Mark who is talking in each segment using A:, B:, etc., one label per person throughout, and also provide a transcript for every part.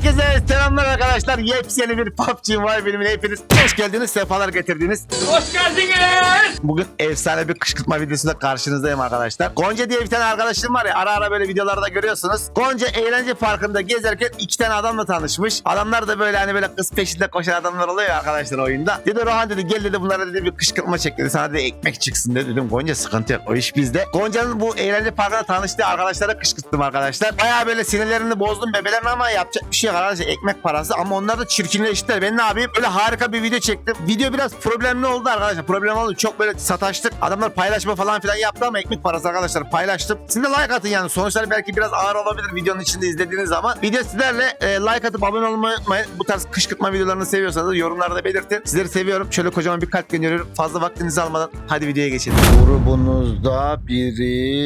A: Herkese selamlar arkadaşlar. Yepyeni bir PUBG Mobile bölümüne hepiniz hoş geldiniz, sefalar getirdiniz.
B: Hoş geldiniz.
A: Bugün efsane bir kışkırtma videosuyla karşınızdayım arkadaşlar. Gonca diye bir tane arkadaşım var ya, ara ara böyle videolarda görüyorsunuz. Gonca eğlence parkında gezerken iki tane adamla tanışmış. Adamlar da böyle hani böyle kız peşinde koşan adamlar oluyor ya arkadaşlar oyunda. Dedi Rohan dedi gel dedi bunlara dedi bir kışkırtma çek dedi. Sana dedi ekmek çıksın dedi. Dedim Gonca sıkıntı yok, o iş bizde. Gonca'nın bu eğlence parkında tanıştığı arkadaşlara kışkırttım arkadaşlar. Baya böyle sinirlerini bozdum bebelerin ama yapacak bir şey yok arkadaşlar, ekmek parası. Ama onlar da çirkinleştiler. Ben ne yapayım? Böyle harika bir video çektim. Video biraz problemli oldu arkadaşlar. Problem oldu. Çok böyle sataştık. Adamlar paylaşma falan filan yaptı ama ekmek parası arkadaşlar, paylaştım. Siz de like atın yani. Sonuçları belki biraz ağır olabilir videonun içinde izlediğiniz zaman. Video sizlerle like atıp abone olmayı unutmayın. Bu tarz kışkırtma videolarını seviyorsanız yorumlarda belirtin. Sizleri seviyorum. Şöyle kocaman bir kalp gönderiyorum. Fazla vaktinizi almadan hadi videoya geçelim. Grubunuzda biri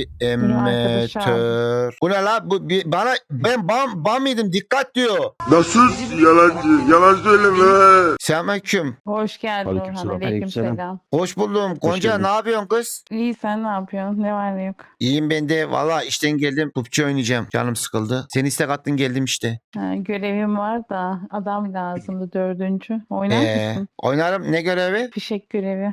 A: emetör. Bu ne la? Bu bana ben bam mıydım? Dikkat diyor.
C: Nasıl yalancı? Yalan söyleme.
A: Selamünaleyküm.
D: Hoş geldin Orhan.
E: Aleykümselam.
D: Aleykümselam.
A: Hoş buldum. Gonca
E: geldin.
A: ne yapıyorsun kız?
D: İyi, sen ne yapıyorsun? Ne var ne yok?
A: İyiyim ben de. Valla işten geldim. PUBG oynayacağım. Canım sıkıldı. Seni istek attın geldim işte.
D: Görevim var da adam lazımdı, 4. Oynar mısın?
A: Oynarım. Ne görevi?
D: Fişek görevi.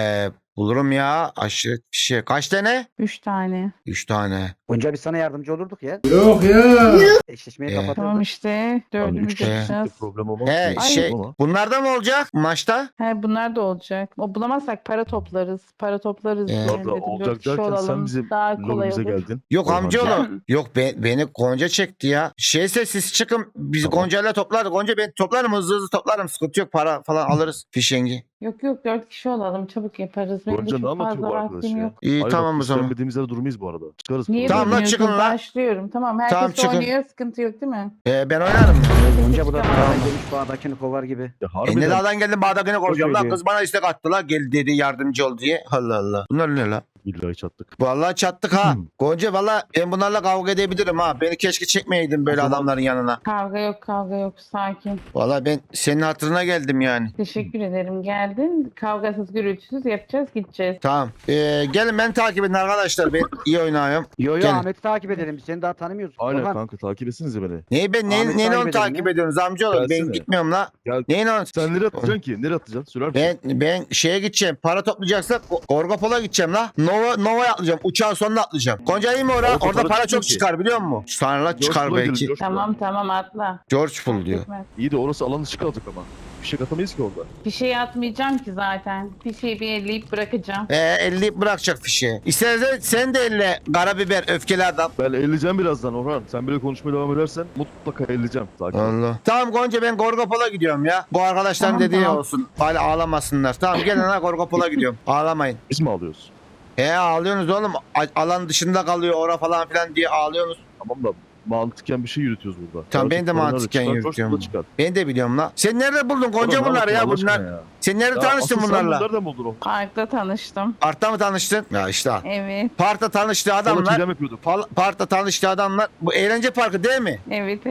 A: Bulurum ya. Aşırı bir şey. Kaç tane?
D: 3 tane.
A: 3 tane.
E: Önce biz sana yardımcı olurduk ya.
B: Yok ya.
E: Eşleşmeyi
A: Ee,
E: kapatırdık.
D: Tamam işte. 4'ümüz
A: işte.
D: yapacağız.
B: Problem olmaz.
A: He
D: Ay.
A: şey. Bunlar da mı olacak maçta?
D: He, bunlar da olacak. O bulamazsak para toplarız. Para toplarız.
A: Ee,
D: diye
A: Abla,
D: dedim.
B: olacak
D: 4 kişi
B: derken sen
D: olalım.
B: bizim
D: Daha kolay
B: lobimize
D: olur.
B: geldin.
A: Yok
B: Orhan
A: amcaoğlu.
D: Can.
A: Yok beni Gonca çekti ya. Şeyse siz çıkın. Biz
B: Tamam.
A: Gonca'yla toplarız. Gonca ben toplarım, hızlı toplarım. Sıkıntı yok. Para falan alırız. Fişengi.
D: Yok 4 kişi olalım. Çabuk yaparız. Benim de
B: Gonca ne
D: çok
B: anlatıyor
D: fazla
B: bu arkadaş
D: vaktim
B: ya?
D: yok.
A: İyi
B: Hayır,
A: tamam
B: bak,
A: o
B: biz
A: zaman.
B: Sevmediğimiz yerde durmayız bu arada. Çıkarız.
D: Niye
A: Tamam lan,
D: bilmiyorsun?
A: çıkın lan.
D: Başlıyorum. Tamam, herkes
A: Tamam, çıkın.
D: oynuyor. Sıkıntı yok değil mi?
A: Ben oynarım.
E: Önce bu da
D: Tamam.
E: dağdan gelmiş bağdakini kovar gibi.
B: Ya
A: Ne
B: harbiden.
A: dağdan geldim Bağdat'ını koruyacağım lan.
E: söylüyor.
A: Kız bana istek attı la. Gel dedi yardımcı ol diye. Allah Allah. Bunlar ne la?
B: Billahi çattık.
A: Vallahi çattık ha. Gonca valla ben bunlarla kavga edebilirim ha. Beni keşke çekmeyeydin böyle
B: O zaman-
A: adamların yanına.
D: Kavga yok. Sakin.
A: Valla ben senin hatırına geldim yani.
D: Teşekkür ederim. Geldin. Kavgasız gürültüsüz yapacağız, gideceğiz.
A: Tamam. Gelin beni takip edin arkadaşlar. Ben iyi oynuyorum.
E: Yo
A: Gel.
E: Ahmet'i takip edelim. Biz seni daha tanımıyoruz.
B: Aynen
E: Orhan,
B: kanka takip etsinize beni.
A: Neyi ben
E: Ahmet
A: neyin onu
E: takip
A: takip
E: edelim ya.
A: ediyorsunuz amcaoğlu? Ben
B: Gelsene.
A: gitmiyorum la.
B: Gel.
A: Neyin onu?
B: Sen nereye atacaksın ki? Nereye atacaksın? Söyler misin?
A: Ben şeye gideceğim. Para toplayacaksak Gorgopol'a gideceğim la. Nova'ya atlayacağım. Uçağın sonuna atlayacağım. Gonca iyi mi orada?
B: Orada
A: Orada
B: para
A: para
B: çıkıyor
A: çok
B: ki.
A: çıkar biliyor musun? Sonra
B: George
A: çıkar
B: Pool'a
A: belki.
B: gidelim, George Pool'a.
D: Tamam atla.
A: George Pool diyor.
D: Gitmez.
B: İyi de orası alan dışı kalacak ama. Bir şey katamayız ki orada.
D: Bir şey atmayacağım ki zaten. Bir şeyi bir elleyip bırakacağım.
A: 50 bırakacak fişi. İstersen sen de elle karabiber öfkeli adam.
B: Ben elleyeceğim birazdan Orhan. Sen böyle konuşmaya devam edersen mutlaka elleyeceğim. Sakin ol.
A: Allah. Tamam Gonca ben Gorgopol'a gidiyorum ya. Bu arkadaşların
D: Tamam,
A: dediği
D: tamam.
A: olsun. Hala ağlamasınlar. Tamam gelin ha Gorgopol'a gidiyorum. Ağlamayın.
B: Biz mi alıyoruz?
A: Ağlıyorsunuz oğlum. Alan dışında kalıyor ora falan filan diye ağlıyorsunuz.
B: Tamam da mantıken bir şey yürütüyoruz burada.
A: Tamam, ben
B: Gerçek
A: de
B: paranı
A: mantıken
B: çıkar,
A: yürütüyorum.
B: George Pool'a çıkar.
A: Ben de biliyorum la. Sen nerede buldun Gonca
B: Orhan, ne
A: bunları ya
B: anlatıyorsun Allah
A: bunlar?
B: aşkına ya?
A: Sen nerede
B: Ya
A: tanıştın
B: asıl
A: bunlarla?
B: Sen nereden buldun o?
D: Parkta tanıştım.
A: Parkta mı tanıştın? Ya işte al.
D: Evet.
A: Parkta tanıştığı
B: Sana
A: adamlar.
B: çiğdem yapıyorduk.
A: Parkta tanıştığı adamlar. Bu eğlence parkı değil mi?
D: Evet.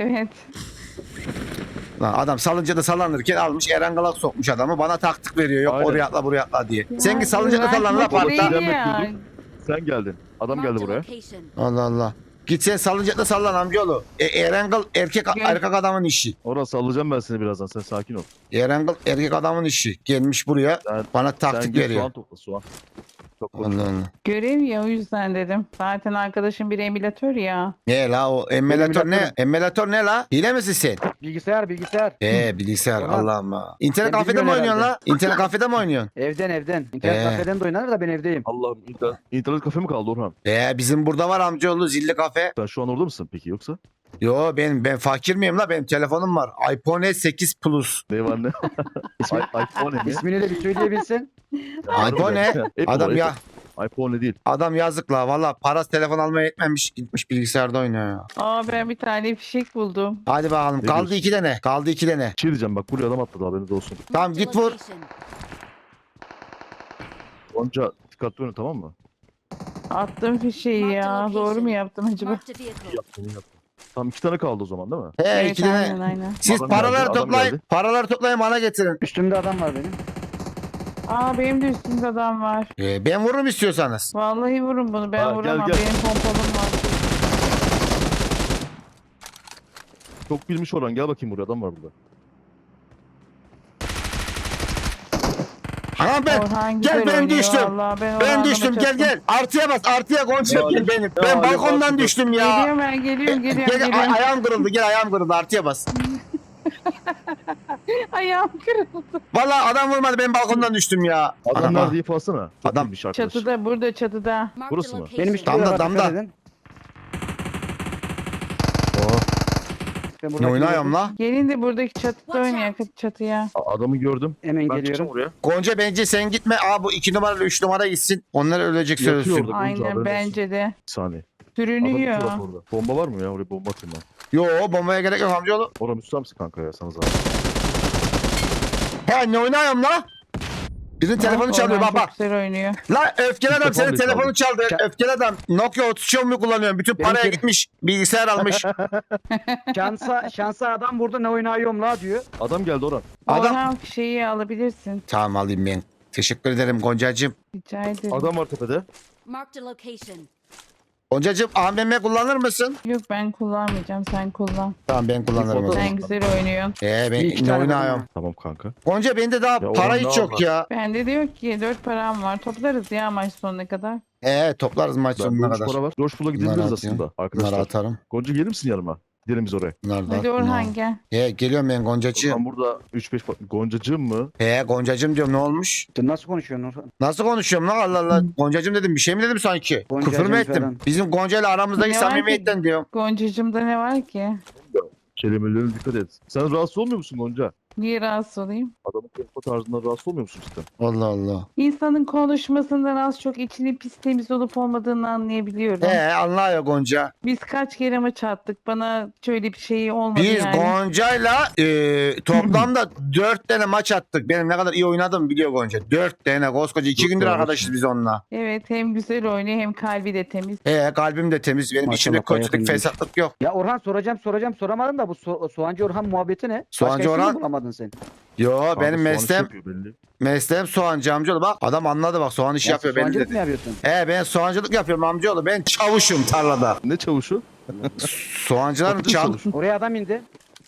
A: Lan adam salıncada sallanırken almış Erangalak sokmuş adamı. Bana taktik veriyor. Yok
B: Aynen.
A: oraya atla buraya atla diye.
D: Ya,
A: Sen git salıncada sallan la
D: güvenlik
A: parkta.
D: değil
B: Çiğdem
D: ya.
B: yapıyorduk. Sen geldin. Adam geldi buraya.
A: Allah Allah. Git sen salıncakta sallan amcaoğlu. Erangal erkek adamın işi.
B: Orhan sallayacağım ben seni birazdan. Sen sakin ol.
A: Erangal erkek adamın işi. Gelmiş buraya
B: Sen-
A: bana
B: Sen
A: taktik
B: git
A: veriyor.
B: soğan topla soğan. Çok konuşma.
A: Allah Allah.
D: Görev ya, o yüzden dedim. Zaten arkadaşım bir emülatör ya.
A: Ne la o emülatör ne?
E: emülatörüm.
A: Emülatör ne la? Hile misin sen?
E: Bilgisayar.
A: Bilgisayar
E: Orhan.
A: Allah'ım ha. İnternet
E: Sen
A: kafede mi
E: bilmiyorsun
A: oynuyorsun la?
E: herhalde.
A: İnternet kafede mi oynuyorsun?
E: Evden. İnternet kafeden de oynanır da ben evdeyim.
B: Allah'ım internet kafe mi kaldı Orhan?
A: Bizim burada var amcaoğlu zilli kafe.
B: Sen şu an orada mısın peki yoksa?
A: Yo ben fakir miyim la? Benim telefonum var. iPhone 8 Plus.
B: Ne var ne? iPhone mi?
E: İsmini de bir söyleyebilsin.
A: iPhone ne? Adam ya
B: iPhone değil.
A: adam yazık la. Valla parası telefon almaya yetmemiş. Gitmiş bilgisayarda oynuyor ya.
D: Ben bir tane fişek buldum.
A: Hadi bakalım.
B: Ne
A: Kaldı
B: diyorsun?
A: 2 tane. Kaldı 2 tane.
B: Bir şey diyeceğim bak buraya adam atladı haberiniz olsun.
A: Tamam git vur.
B: Gonca dikkatli oyna tamam mı?
D: Attım fişeği ya. Doğru mu yaptım acaba?
B: İyi yaptın iyi yaptın. Tamam 2 tane kaldı o zaman değil mi?
A: He
D: Evet,
A: 2 tane.
D: aynen.
A: Siz
B: Adam
A: paraları
B: geldi, adam
A: toplayın.
B: geldi.
A: Paraları toplayın bana getirin.
E: Üstümde adam var benim.
D: Benim de üstümde adam var.
A: Ben vururum istiyorsanız.
D: Vallahi vurun bunu. Ben
B: Gel,
D: vuramam.
B: gel.
D: Benim pompalım var.
B: Çok bilmiş Orhan, gel bakayım buraya, adam var burada.
A: Anam ben.
D: Orhan
A: Gel
D: güzel
A: ben
D: oynuyor
A: düştüm.
D: vallahi. Ben
A: Ben
D: Orhan'la
A: düştüm gel
D: çatım.
A: gel. Artıya bas artıya Gonca
B: Ya,
A: gel benim.
B: ya,
A: Ben
B: ya,
A: balkondan
B: artı
A: düştüm ya.
D: Geliyorum ben geliyorum geliyorum.
A: Ayağım kırıldı gel ayağım kırıldı artıya bas.
D: Ayağım kırıldı.
A: Vallahi adam vurmadı ben balkondan düştüm ya.
B: Adam
A: Anam,
B: nerede deyip alsana. Çok
A: Adam-
B: bilmiş arkadaş.
D: Çatıda burada çatıda.
B: Burası mı?
E: Benim üstümde
A: Damda,
E: var,
A: damda.
E: dikkat edin.
A: Oh,
E: Ben
A: ne
E: buradaki
A: oynuyorum
E: gördüm.
A: la?
D: Gelin de buradaki çatıda oynayalım çatıya.
B: Adamı gördüm.
E: Hemen
B: Ben çıkacağım
E: geliyorum.
B: oraya.
A: Gonca bence sen gitme. Aa bu 2 numara 3 numara gitsin. Onlar ölecek
B: Yatıyor
A: sözsün.
B: orada. Gonca, haberin
D: Aynen
B: olsun.
D: bence de.
B: Bir saniye. Adam
D: Sürünüyor.
B: bir taraf orada. Bomba var mı ya? Oraya bomba atayım ben.
A: Yo bombaya gerek yok amcaoğlu.
B: Orhan üstte misin kanka ya? Sana zaten.
A: He ne oynuyorum la? Birinin telefonu çalıyor
D: Orhan
A: bak
D: çok
A: bak.
D: güzel oynuyor.
A: La öfkeli adam senin
B: Telefon
A: telefonu çaldı. Öfkeli adam. Nokia 33 mu kullanıyorsun? Bütün
E: Benim
A: paraya
E: tele-
A: gitmiş. Bilgisayar almış.
E: Şansa adam burada ne oynuyorum la diyor.
B: Adam geldi Orhan.
A: Adam-
D: Orhan şeyi alabilirsin.
A: Tamam alayım ben. Teşekkür ederim Goncacığım.
D: Rica ederim.
B: Adam var tepede.
F: Marked a location.
A: Goncacığım AVM kullanır mısın?
D: Yok ben kullanmayacağım sen kullan.
A: Tamam ben kullanırım. o
B: foto-
A: zaman.
D: Sen güzel oynuyorsun.
A: Ben
E: Bir iki
A: ne
E: tane
A: oynuyorum?
E: buldum
B: Tamam kanka.
A: Gonca bende daha
B: Ya
A: para
B: Orhan
A: hiç
B: ne
A: yok
B: var?
A: ya.
D: Bende de yok ki 4 param var. Toplarız ya maç sonuna kadar.
A: Toplarız maç
B: Ben
A: sonuna
B: boş
A: kadar.
B: para var. Coşkula
A: Bunları
B: gidebiliriz
A: atayım.
B: aslında
A: Bunları
B: arkadaşlar.
A: atarım.
B: Gonca gelir misin yanıma? Gidelim biz oraya.
A: Bunları da
D: Hadi
A: at,
D: Orhan
A: bunları.
D: gel.
A: Geliyorum ben Goncacığım.
B: Ben burada 3-5 Goncacığım mı?
A: Goncacığım diyorum ne olmuş?
E: Sen nasıl konuşuyorsun Orhan?
A: Nasıl konuşuyorum lan Allah Allah. Goncacığım dedim bir şey mi dedim sanki?
E: Goncacığım
A: Küfür mü ettim?
E: falan.
A: Bizim Gonca ile aramızdaki
D: Ne var ki?
A: samimiyetten diyorum.
D: Goncacığımda ne var ki?
B: Kelimelerine dikkat et. Sen rahatsız olmuyor musun Gonca?
D: Niye rahatsız olayım?
B: Adamın konuşma tarzından rahatsız olmuyor musun cidden?
A: Allah Allah.
D: İnsanın konuşmasından az çok içinin pis temiz olup olmadığını anlayabiliyorum.
A: Anlıyor Gonca.
D: Biz kaç kere maç attık. Bana şöyle bir şey olmadı
A: Biz
D: yani.
A: Gonca'yla toplamda 4 tane maç attık. Benim ne kadar iyi oynadım biliyor Gonca. 4 tane koskoca 2
B: Dört
A: gündür
B: tane
A: arkadaşız
B: maç.
A: biz onunla.
D: Evet hem güzel oynuyor hem kalbi de temiz.
A: Kalbim de temiz. Benim
E: Maşallah,
A: içimde
E: bayağı
A: kötülük
E: temizmiş.
A: fesatlık yok.
E: Ya Orhan soracağım soramadım da bu Soğancı Orhan muhabbeti ne?
A: Soğancı
E: Başka isim mi
A: Orhan?
E: bulamadın sen?
A: Yo
B: Kanka
A: benim
B: soğan işi
A: mesleğim
B: yapıyor belli.
A: mesleğim soğancı amcaoğlu. Bak adam anladı bak soğan işi
E: Ya
A: yapıyor belli
E: soğancılık
A: dedi.
E: mı yapıyorsun?
A: Ben soğancılık yapıyorum amcaoğlu. Ben çavuşum tarlada.
B: Ne çavuşu?
A: Soğancıların
B: Patates
A: çav...
B: çavuşu.
E: Oraya adam indi.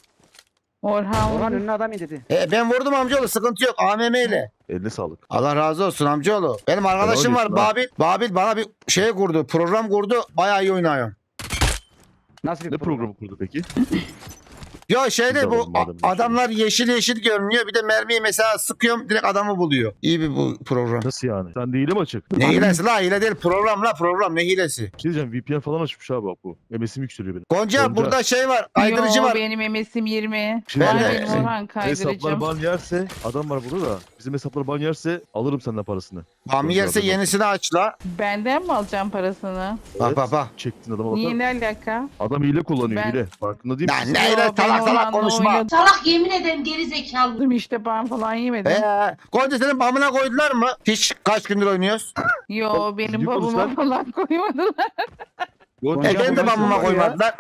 D: Orhan,
E: Orhan önüne adam indi dedi.
A: Ben vurdum amcaoğlu sıkıntı yok AMM ile.
B: Eline sağlık.
A: Allah razı olsun amcaoğlu. Benim arkadaşım var
B: olsun ha.
A: Babil. Babil bana bir şey kurdu. Program kurdu. Bayağı iyi oynuyor.
E: Nasıl bir
B: Ne
E: program?
B: programı kurdu peki?
A: Ya şeyde
B: Güzel
A: bu
B: oldu madem bir
A: adamlar yeşil yeşil görünüyor. Bir de mermiyi mesela sıkıyorum direkt adamı buluyor. İyi bir bu program.
B: Nasıl yani? Sen de hile mi açık?
A: Ne hilesi la hile değil program la program ne hilesi.
B: Bir şey diyeceğim, VPN falan açmış abi bak bu. MS'im yükseliyor benim.
A: Gonca,
B: Gonca.
A: burada şey var kaydırıcı
D: Yo,
A: var.
D: benim MS'im 20.
B: Bir şey
D: Var
A: diyeceğim.
D: benim Orhan
B: Hesaplar
D: kaydırıcım.
B: ban yerse, adam var burada da, bizim hesaplar ban yerse alırım senden parasını.
A: Bami yerse
B: Gonca,
A: yenisini aç la.
D: Benden mi alacağım parasını?
A: Bak bak bak.
B: Çektin adama bakar
D: Niye
B: mısın?
D: ne alaka?
B: Adam hile kullanıyor
D: Ben-
B: hile. Farkında değil
A: Ya
B: misin?
A: ne
D: Yo,
A: ile
D: ben
A: salak salak
D: Orhan'la
A: konuşma.
D: oynadım
F: Salak yemin ederim geri zekalı.
D: işte ben falan yemedim.
A: Gonca senin bamına koydular mı? Hiç kaç gündür oynuyoruz?
D: Yo benim
B: ciddi
D: babama
B: konuşsan.
D: falan koymadılar.
B: Gonca,
E: Ya
A: Ben de
E: bu nasıl
A: bamıma
E: oluyor ya?
A: koymadılar.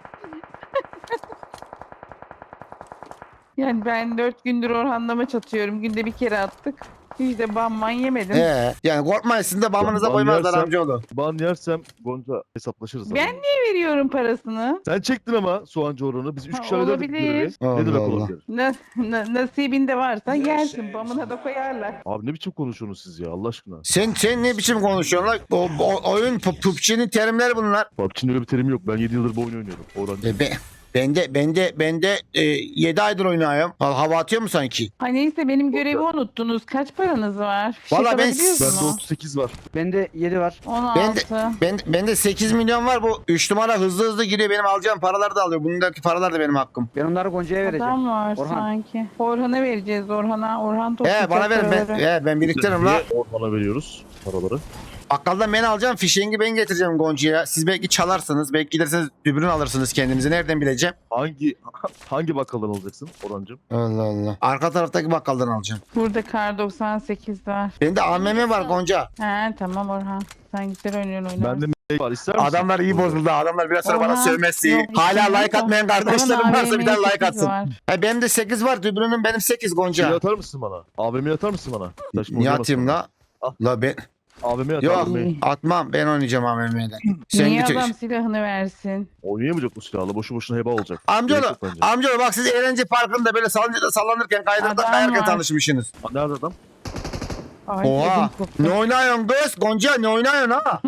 D: Yani ben 4 gündür Orhan'la maç atıyorum. Günde bir kere attık. Hiç de banman yemedim.
A: Yani korkmayın sizin de bamınıza
B: Ban
A: koymazlar
B: yersem-
A: amcaoğlu.
B: ban yersem Gonca hesaplaşırız.
D: Ben
B: adamla.
D: niye veriyorum parasını?
B: Sen çektin ama soğancı oranı. Biz 3
D: Ha,
B: kişi hallerdik
D: olabilir.
B: görevi.
A: Allah
B: Ne demek
A: Allah.
B: olabilir?
D: Nasibinde varsa yersin. Bamına da koyarlar.
B: Abi ne biçim konuşuyorsunuz siz ya Allah aşkına?
A: Sen ne biçim konuşuyorsun lan? Oyun PUBG'nin terimleri bunlar.
B: PUBG'nin öyle bir terimi yok. Ben 7 yıldır bu oyunu oynuyorum. Orhan.
A: Ben de 7 aydır oynuyorum. Hava atıyor mu sanki?
D: Ay neyse benim görevi unuttunuz. Kaç paranız var?
A: Vallahi ben-
D: alabiliyorsunuz
B: Bende
D: mu?
B: 38 var.
E: Bende 7 var.
D: 16.
A: Bende 8 milyon var. Bu 3 numara hızlı giriyor. Benim alacağım paralar da alıyor. Bundaki paralar da benim hakkım.
E: Ben onları Gonca'ya vereceğim.
D: Adam var
E: Orhan.
D: sanki. Orhan'a vereceğiz Orhan'a. Orhan toplayacak
A: Bana verin.
D: paraları.
A: Ben biriktiririm la.
B: Niye Orhan'a veriyoruz paraları?
A: Bakkaldan ben alacağım. Fişengi ben getireceğim Gonca'ya. Siz belki çalarsınız. Belki giderseniz dübürün alırsınız kendinize. Nereden bileceğim?
B: Hangi bakkaldan alacaksın Orhancığım?
A: Allah Allah. Arka taraftaki bakkaldan alacağım.
D: Burada kar 98 var.
A: Bende AMM var Gonca.
D: He tamam Orhan. Sen güzel oynuyorsun oynar.
B: Bende var. İster misin?
A: Adamlar iyi bozuldu. Adamlar biraz sonra bana
D: Orhan,
A: sövmezse.
D: yok,
A: Hala
D: içinde
A: like
D: yok.
A: atmayan kardeşlerim
D: Orhan
A: varsa bir tane
D: AVM'ye
A: like
D: 8
A: atsın.
D: var.
A: Benim de 8 var. Dübürünün benim 8
B: Şey
A: Gonca.
B: atar mısın bana? AVM'yi atar mısın bana? Saçma
A: Niye
B: olmasın
A: atayım
B: bana.
A: la?
B: Al.
A: La
B: AVM at
A: Yok
B: AVM.
A: atmam, ben oynayacağım AVM'den. Sen
D: Niye
A: git.
D: adam silahını versin?
B: Oynayamayacak bu silahla. Boşu boşuna heba olacak.
A: Amcaoğlu,
B: Gerek yok bence.
A: amcaoğlu bak siz eğlence parkında böyle salıncakta sallanırken kaydırda
D: Adam
A: kayarken
D: var.
A: tanışmışsınız.
B: Nerede adam?
D: Ay,
A: Oha.
D: ödüm koptu.
A: Ne oynuyorsun kız? Gonca ne oynuyorsun ha?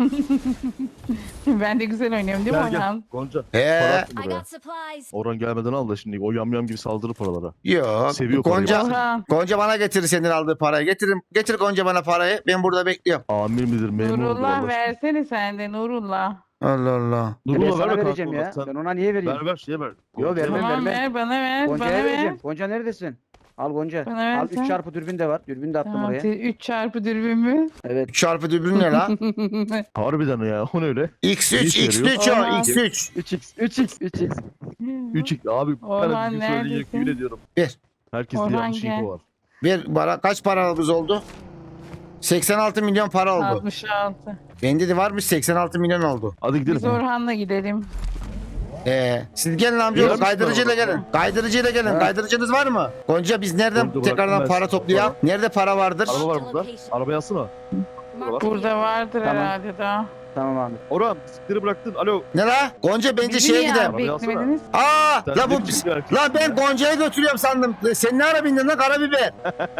D: Ben de güzel oynuyorum değil mi
B: Gel gel.
D: Orhan?
B: Gonca. Para
A: He.
B: attı
F: I
B: buraya.
F: got supplies.
B: Orhan gelmeden al da şimdi o yamyam gibi saldırı paralara.
A: Yok.
B: Seviyor parayı.
A: Gonca,
D: Orhan.
A: Gonca bana getirir senin aldığı parayı. Getir Gonca bana parayı. Ben burada bekliyorum.
B: Amir midir memur mudur
D: Nurullah
B: Allah aşkına?
D: versene sen de Nurullah.
A: Allah Allah.
E: Ben
B: Nurullah
E: sana
B: verme
E: vereceğim
B: kanka
E: ya.
B: ona.
E: Ben
B: Sen
E: ona niye vereyim?
B: ver şeye ver.
E: Yo,
B: Gonca'ya
E: vermem,
B: ver.
D: Tamam
E: vermem.
D: ver bana ver bana
E: Gonca'ya
D: ver.
E: vereceğim. Gonca neredesin? Al Gonca.
D: Bana
E: Al
D: versen.
E: 3 çarpı dürbün de var. Dürbün de attım
D: Tamam,
E: oraya.
D: 3 çarpı dürbün mü?
E: Evet.
A: Çarpı dürbün ne la?
B: Harbiden ya o ne öyle?
A: X3
B: Ne işe
A: X3 o
D: yarıyor?
A: X3.
E: 3x.
B: 3x abi.
D: Orhan
B: Ben de söyleyecek
D: neredesin?
B: yemin ediyorum.
A: Bir.
B: Herkes de
D: Orhan
B: yanlış
D: gel.
B: info var.
A: Bir para kaç paramız oldu? 86 milyon para oldu.
D: 66.
A: Bende de varmış 86 milyon oldu.
B: Hadi gidelim.
D: Biz Orhan'la gidelim.
A: Siz gelin amcaoğlu
B: Yarım
A: kaydırıcıyla
B: para
A: gelin.
B: var.
A: Kaydırıcıyla gelin.
E: Ha.
A: Kaydırıcınız var mı? Gonca biz nereden
B: Gonca
A: tekrardan
B: bıraktım ben
A: para
B: sana.
A: toplayalım? Nerede para vardır?
B: Araba var burada. Arabayı alsana.
F: Marked a
D: Burada
F: vehicle.
D: vardır
E: Tamam.
D: herhalde daha.
E: Tamam abi.
B: Orhan bisikleri bıraktın. Alo.
A: Ne la? Gonca bence
D: Bizi
A: şeye
D: niye
A: gidelim.
B: Arabayı alsana.
D: beklemediniz?
A: Aa
B: Sen
A: la bu
B: ne biçim bir erkeksin
A: la ben
B: ya?
A: Gonca'ya götürüyorum sandım. Sen ne ara bindin lan karabiber?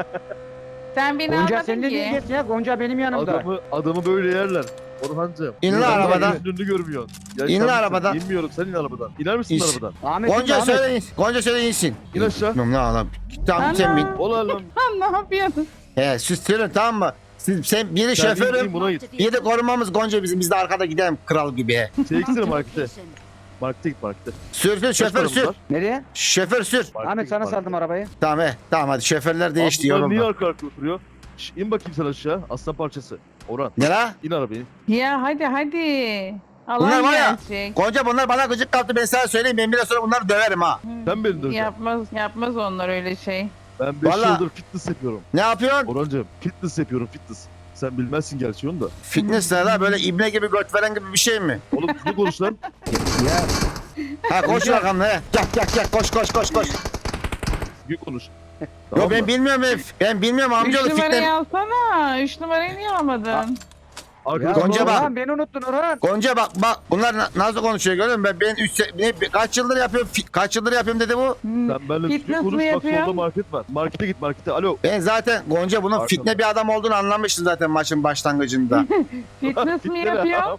D: Sen beni
E: Gonca
D: almadın
E: sen de niye
D: ki.
E: gelsin ya? Gonca benim yanımda.
B: Adamı böyle yerler. Orhancığım.
A: İn lan
B: Sen
A: arabadan.
B: Önünü görmüyorsun. Ya
A: İn
B: sen
A: lan
B: misin?
A: arabadan.
B: İnmiyorum sen in arabadan. İner misin
A: İn.
B: arabadan?
E: Ahmet.
A: Gonca
E: Ahmet.
A: söyle in. Gonca söyle insin.
B: İn aşağı.
A: Bilmiyorum ne alalım. Tamam sen bin.
D: Ana.
B: Ola lan.
D: Lan ne yapıyorsun?
A: He süslerin tamam mı? Sen biri
B: Sen in,
A: şoförüm.
B: in, buna git.
F: Marked a
A: Bir de
F: vehicle.
A: korumamız Gonca bizim. Biz de arkada gidelim kral gibi. he.
B: Çeksene
F: Marked a
B: markete.
F: location.
B: Markete git markete.
A: Sür
B: Kaç
A: şoför
B: paramız
A: sür.
B: var?
E: Nereye?
A: Şoför sür.
B: Markete
E: Ahmet
B: git,
E: sana
B: markete.
E: saldım arabayı.
A: Tamam he. Tamam hadi şoförler değişti
B: Abi bunlar niye
A: yorulma.
B: arka arka oturuyor? Şş, in bakayım sen aşağı. Aslan parçası. Orhan.
A: Ne la?
B: İn arabaya.
D: Ya hadi.
A: Bunlar
D: Allah
A: var ya,
D: gelecek.
A: Gonca bunlar bana gıcık kaptı ben sana söyleyeyim. Ben biraz sonra bunları döverim ha.
B: Sen beni döveceksin.
D: Yapmaz onlar öyle şey.
B: Ben 5
A: Vallahi-
B: yıldır fitness yapıyorum.
A: Ne yapıyorsun?
B: Orhancığım fitness yapıyorum fitness. Sen bilmezsin gerçi onu da.
A: Fitness ne la? Böyle ibne gibi göt veren gibi bir şey mi?
B: Oğlum ne konuş lan?
E: Ya.
A: Ha koş bakalım he. Gel koş.
B: Gün konuş.
A: Yo
B: Tamam
A: ben
B: mı?
A: bilmiyorum ben bilmiyorum
D: 3
A: amcaoğlu
D: numarayı
A: fitne.
D: alsana. 3 numarayı niye almadın?
B: Arkadaşlar,
A: Gonca bak.
E: Orhan beni unuttun Orhan.
A: Gonca bak bunlar nasıl konuşuyor görüyor musun? Ben kaç yıldır yapıyorum kaç yıldır yapıyorum dedi bu.
B: Sen benimle
D: Fitness
B: düzgün
D: mi
B: konuş bak
D: yapıyor?
B: solda market var. Markete git markete. Alo.
A: Ben zaten Gonca bunun
B: Pardon.
A: fitne bir adam olduğunu anlamıştım zaten maçın başlangıcında.
D: Fitness mi
B: Fitne
D: yapıyor?
B: ya.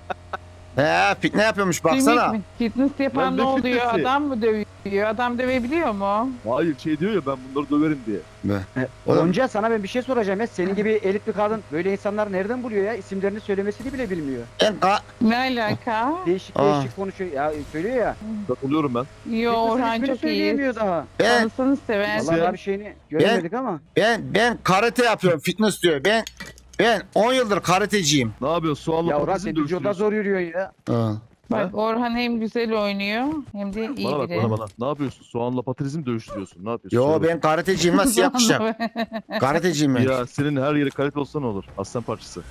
A: He fitne yapıyormuş baksana.
D: Ümit mi? Fitness yapan
B: Ben
D: ne
B: de
D: oluyor?
B: fitnessi.
D: Adam mı dövüyor? Adam dövebiliyor mu?
B: Hayır şey diyor ya ben bunları döverim diye.
A: Oğlum,
E: Gonca sana ben bir şey soracağım ya. Senin gibi elit bir kadın böyle insanlar nereden buluyor ya? İsimlerini söylemesini bile bilmiyor.
D: Ne alaka?
E: Değişik
A: Aa.
E: değişik konuşuyor. Ya söylüyor ya.
B: Katılıyorum ben.
D: Yo
E: Fitness'ın
D: Orhan
E: ismini
D: çok iyi.
E: söyleyemiyor daha.
A: ben
D: Tanısanız sever.
E: Vallahi daha bir şeyini göremedik ama.
A: ben karate yapıyorum fitness diyor. Ben 10 yıldır karateciyim.
B: Ne yapıyorsun? Soğanla
E: Ya Orhan
B: patatesin
E: sen vücuda
B: dövüştürüyorsun.
E: zor yürüyor ya.
A: Ha.
D: Bak Orhan hem güzel oynuyor hem de iyi
B: Bana bak
D: biri.
B: bana. Ne yapıyorsun? Soğanla patatesi mi dövüştürüyorsun? Ne yapıyorsun?
A: Yo
B: Söyle
A: ben karateciyim nasıl yapacağım? Karateciyim ben.
B: Ya senin her yeri kalite olsa ne olur? Aslan parçası.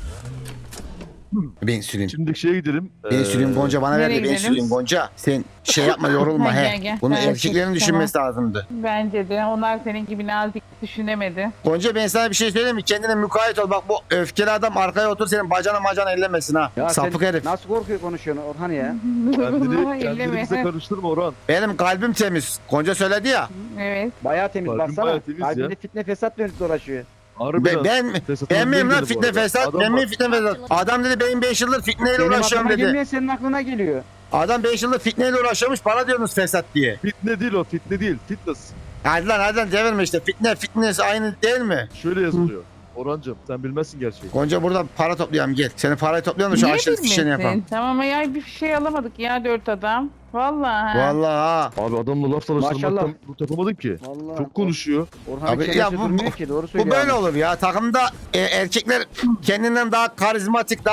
A: Ben süreyim.
B: Şimdi şeye gidelim.
A: Ben süreyim Gonca bana ver
D: nereye
A: de ben
D: gidelim?
A: süreyim Gonca. Sen şey yapma yorulma
D: Ha,
A: he.
D: gel.
A: Bunu
D: Ha,
A: erkeklerin
D: tamam.
A: düşünmesi lazımdı.
D: Bence de onlar senin gibi nazik düşünemedi.
A: Gonca ben sana bir şey söyleyeyim mi? Kendine mukayyet ol. Bak bu öfkeli adam arkaya otur senin bacana macana ellemesin ha.
E: Ya
A: Sapık
E: sen
A: herif.
E: nasıl korkuyor konuşuyorsun Orhan ya?
B: Kendini bize karıştırma Orhan.
A: Benim kalbim temiz. Gonca söyledi ya.
D: Evet.
E: Bayağı temiz
B: Kalbin
E: baksana.
B: bayağı temiz ya.
E: Kalbinde fitne fesat dönüp dolaşıyor.
B: Harbiden.
A: Ben miyim lan fitne fesat? Ben miyim fitne fesat? Adam dedi benim 5 yıldır fitneyle
E: Benim
A: uğraşıyorum
E: aklıma
A: dedi.
E: gelmeyen senin aklına geliyor.
A: Adam 5 yıldır fitneyle uğraşıyormuş bana diyorsunuz fesat diye.
B: Fitne değil o fitne değil. Fitness.
A: Hadi lan devirme işte. Fitness aynı değil mi?
B: Şöyle yazılıyor. Orhancığım sen bilmezsin gerçeği.
A: Gonca burada para toplayalım gel. Senin parayı toplayalım da şu
D: Niye
A: aşırı fişeni
D: bilmesin?
A: yapalım.
D: Tamam ya bir şey alamadık ya 4 adam. Vallahi.
A: Vallahi ha.
B: Abi adamla laf tanıştırmaktan
E: Maşallah.
B: bu yapamadım ki.
E: Vallahi.
B: Çok konuşuyor.
E: Orhan
A: Abi,
E: çenesi
A: ya bu-
E: durmuyor ki doğru
A: Bu
E: söylüyor.
A: böyle
E: abi.
A: olur ya. Takımda erkekler kendinden daha karizmatik, daha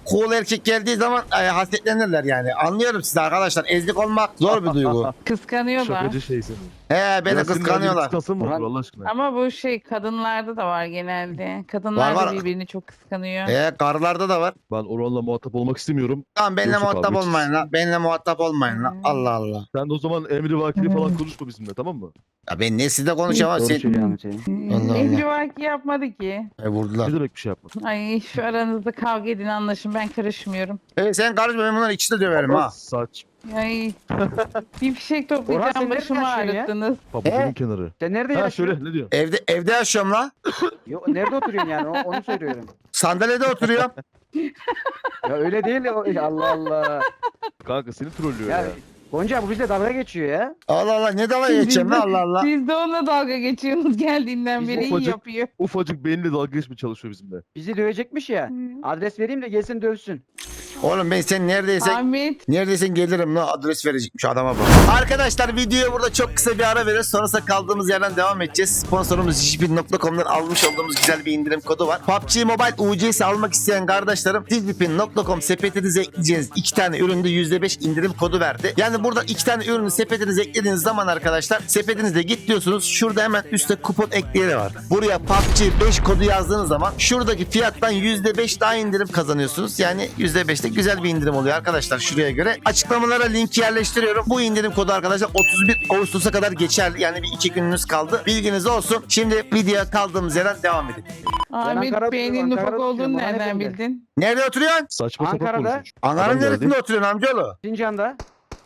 A: cool erkek geldiği zaman hasretlenirler yani. Anlıyorum sizi arkadaşlar. Ezlik olmak zor bir duygu.
D: Kıskanıyorlar.
B: Şakacı şey senin.
A: He beni
B: Ya senin
A: kıskanıyorlar.
B: kıskansın mı
E: Orhan-
B: olur Allah aşkına?
D: Ama bu şey kadınlarda da var genelde. Kadınlar
A: Var,
D: da
A: var.
D: birbirini çok kıskanıyor.
A: Karılarda da var.
B: Ben Orhan'la muhatap olmak istemiyorum.
A: Tamam benimle
B: Yoksa
A: muhatap
B: kavga
A: olmayın la. Benimle muhatap olmayın la.
D: Hmm.
A: Allah Allah.
B: Sen de o zaman emri vakili falan konuşma bizimle, tamam mı?
A: Ya ben ne sizle konuşamam.
E: Doğru
A: Sen...
E: söylüyor Ahmet Hüseyin.
A: Allah Allah.
D: Emri vaki yapmadı ki.
A: Vurdular.
B: Ne demek bir şey yapma.
D: Ay şu aranızda kavga edin anlaşın ben karışmıyorum.
A: Sen karışma ben bunları ikisini de döverim ha.
B: Saç.
D: Ay bir fişek
E: Orhan, sen
D: toplayacağım
E: nerede
D: başımı
E: yaşıyorsun ya?
D: ağrıttınız.
B: Pabucunun kenarı.
E: Sen nerede
B: Ha
E: yaşıyorsun?
B: şöyle ne diyorsun?
A: Evde yaşıyorum la.
E: Nerede oturuyorsun yani? Onu söylüyorum.
A: Sandalyede oturuyorum.
E: Ya öyle değil. Allah Allah.
B: Kanka seni trollüyor
E: Ya
B: ya.
E: Gonca bu bizle dalga geçiyor ya.
A: Allah Allah ne dalga geçeceğim la Allah Allah.
D: Siz de onunla dalga geçiyorsunuz geldiğinden
E: Biz
D: beri iyi
B: ufacık-
D: yapıyor.
B: Ufacık beyinle dalga geçmeye çalışıyor bizimle.
E: Bizi dövecekmiş ya. Adres vereyim de gelsin dövsün.
A: Oğlum ben sen neredeysen
D: Ahmet
A: neredeysen gelirim la adres verecekmiş adama bak. Arkadaşlar videoya burada çok kısa bir ara veririz. Sonrasında kaldığımız yerden devam edeceğiz. Sponsorumuz Jijipin.com'dan almış olduğumuz güzel bir indirim kodu var. PUBG Mobile UC'si almak isteyen kardeşlerim Jijipin.com sepetinize ekleyeceğiniz 2 tane üründe %5 indirim kodu verdi. Yani burada 2 tane ürünü sepetinize eklediğiniz zaman arkadaşlar sepetinizde git diyorsunuz. Şurada hemen üstte kupon ekleyeni var. Buraya PUBG 5 kodu yazdığınız zaman şuradaki fiyattan %5 daha indirim kazanıyorsunuz. Yani %5'te güzel bir indirim oluyor arkadaşlar şuraya göre. Açıklamalara linki yerleştiriyorum. Bu indirim kodu arkadaşlar 31 Ağustos'a kadar geçerli. Yani bir 2 gününüz kaldı. Bilginiz olsun. Şimdi videoya kaldığımız yerden devam edelim.
D: Ahmet
E: Ankara'da
D: Bey'in
E: oturuyorum,
D: ufak
E: Ankara'da
D: olduğunu
E: oturuyorum,
D: nereden
E: Orhan Efendi.
D: bildin?
A: Nerede oturuyorsun?
B: Saçma sapan
E: Ankara'da.
B: konuşmuş.
A: Ankara'nın
B: Adam geldi.
A: neresinde oturuyorsun amcaoğlu?
E: Sincan'da.